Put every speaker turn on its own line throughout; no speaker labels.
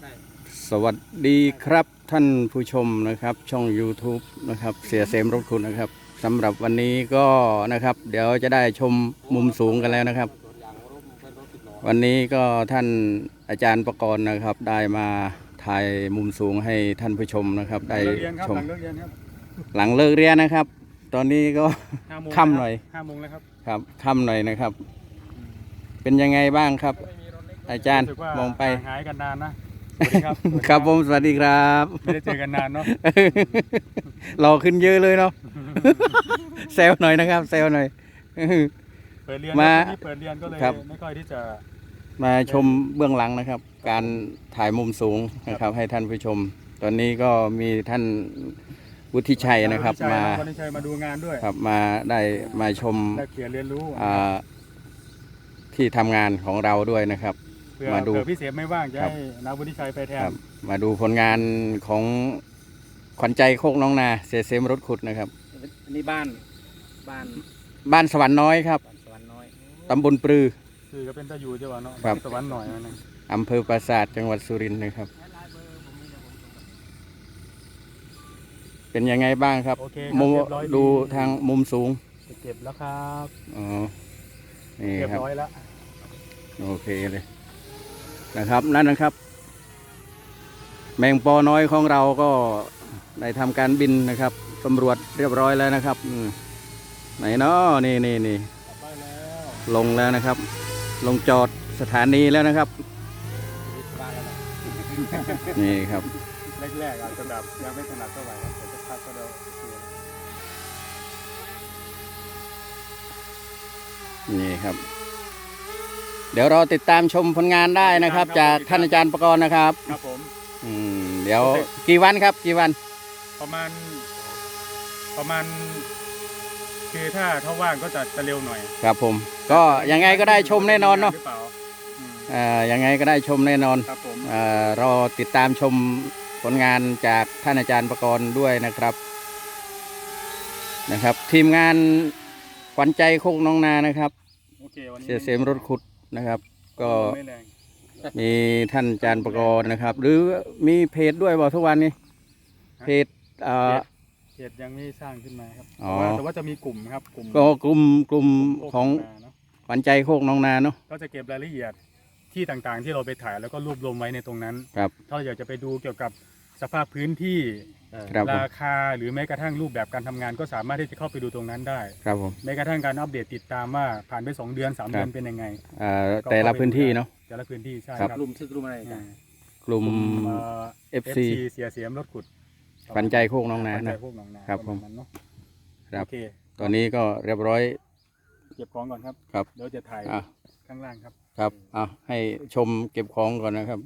สวัสดีครับท่านผู้ชมนะครับช่อง YouTube นะครับเสียเสมรถขุดนะครับสำหรับวันนี้ก็นะครับเดี๋ยวจะได้ชมมุมสูงกันแล้วนะครับวันนี้ก็ท่านอาจารย์ประกรณ์นะครับได้มาถ่ายมุมสูงให้ท่านผู้ชมนะครับได้ชมหลังเลิกเรียนนะครับ ตอนนี้ก็ค่ำหน่อย
5 โมงแล้วครับ
ครับค่ำหน่อยนะครับเป็นยังไงบ้างครับอาจารย์มองไป
หายกันนานนะสวัสดีครับ
ครับผมสวัสดีครับ
ไม่ได้เจอกันนานเนาะ
หล่อขึ้นเยอะเลยเนาะเซลหน่อยนะครับเซลหน่อย
เปิดเรียนเปิดเรียนก็เลยไม่ค่อยที่จะ
มาชมเบื้องหลังนะครับการถ่ายมุมสูงนะครับให้ท่านผู้ชมตอนนี้ก็มีท่านวุฒิชัยนะครับมา
วุฒิชัยมาดูงานด้วย
ครับมาได้มาชม
ได้เขียนเรียนรู้
ที่ทำงานของเราด้วยนะครับ
มาดูพี่เสียไม่ว่างจะให้นายวุฒิชัยไปแทน
มาดูผลงานของขวัญใจโคกน้องนาเสมรถขุดนะครับ
นี่บ้าน
สวรรค์น้อยครับตำบลปรือ
คือก็เป็นตะยูจังหวัดเนาะสวรรค์น้อยนะ
อำเภอปราสาทจังหวัดสุรินทร์นะครับเป็นยังไงบ้างครับดูทางมุมสูง
เก็บแล้วครับ
อ๋อนี่
เรียบ
ครับ
ร้อยแล้ว
โอเคเลยนะครับนั่นนะครับแมงปอน้อยของเราก็ได้ทำการบินนะครับตำรวจเรียบร้อยแล้วนะครับไหนเนาะนี่ลงแล้วนะครับลงจอดสถานีแล้วนะครับนี่ครับ
แรกๆอาจจะแบบยังไม่ถนัดเท่าไหร่ครับแต่จะพักก็เดี๋ยว
นี่ครับเดี๋ยวเราติดตามชมผลงานได้นะครับจากท่านอาจารย์ประกรณ์นะครับ
ครับผม
เดี๋ยวกี่วันครับกี่วัน
ประมาณคือถ้าว่างก็จะเร็วหน่อย
ครับผมก็ยังไงก็ได้ชมแน่นอนเนาะยังไงก็ได้ชมแน่นอน
ครับผม
รอติดตามชมผลงานจากท่านอาจารย์ประกรณ์ด้วยนะครับทีมงานขวัญใจโคกน้องนานะครับเสียเสมรถขุดนะครับก็มีท่านอาจารย์ประกรณ์นะครับหรือมีเพจด้วยบอกทุกวันนี้เพจ
ยังไม่สร้างขึ้นมาครับแต่ว่าจะมีกลุ่มครับ
ก็กลุ่มของขวัญใจโคกน้องนาเนาะ
ก็จะเก็บรายละเอียดที่ต่างๆที่เราไปถ่ายแล้วก็รวบรวมไว้ในตรงนั้น
ครับ
ถ้าเราอยากจะไปดูเกี่ยวกับสภาพพื้นที่ราคาหรือแม้กระทั่งรูปแบบการทำงานก็สามารถที่จะเข้าไปดูตรงนั้นได้
ครับผม
แม้กระทั่งการอัปเดตติดตามว่าผ่านไป2 เดือน 3 เดือนเป็นยังไง
แต่ละพื้นที่เนาะ
แต่ละพื้นที่ใช่
ครับกลุ่มอะไรกัน
กลุ่ม FC
เสียมรถขุด
ขวัญใจโคกน้องนานะครับผมครับตอนนี้ก็เรียบร้อย
เก็บของก่อนครับเดี๋ยวจะถ่ายข้างล่าง
ครับให้ชมเก็บของก่อนนะครับ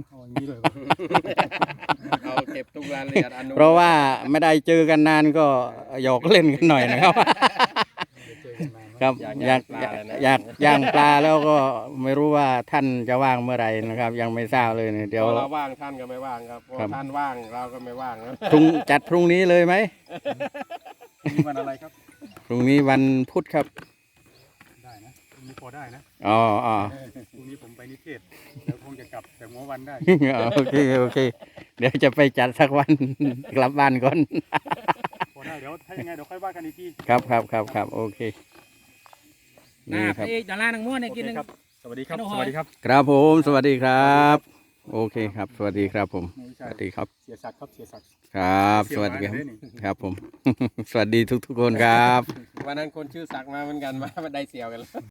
เอาเก็บทุกรายละเอียด
เพราะว่าไม่ได้เจอกันนานก็หยอกเล่นกันหน่อยนะครับครับอยากย่างปลาแล้วก็ไม่รู้ว่าท่านจะว่างเมื่อไหร่นะครับยังไม่ทราบเลยเดี๋ยว
เราว่างท่านก็ไม่ว่างครับท่านว่างเราก็ไม่ว่างนะ
จัดพรุ่งนี้เลยไหม
วันอะไรครับ
พรุ่งนี้วันพุธครับ
ได้นะพรุ่งนี้พอได้นะ
อ๋อ
พรุ่งนี้ผมไปนิเทศเดี๋ยวคงจะกลับแต่หัววันได้
โอเคเดี๋ยวจะไปจัดสักวันกลับบ้านก่อน
พอได้เดี๋ยวถ้ายังไงเดี๋ยวค่อยว่ากันอีกที
ครับโอเค
นี่ครับดาราหนังม้วนเนี่ยกิน
ครับสวัสดีครับ
ครับผมสวัสดีครับโอเคครับสวัสดีครับผมสวัสดีครับ
เสียศักดิ์
ครับสวัสดีครับผมสวัสดีทุกคนครับ
วันนั้นคนชื่อศักดิ์มาเหมือนกันมาได้เสี่ยวกันแล้ว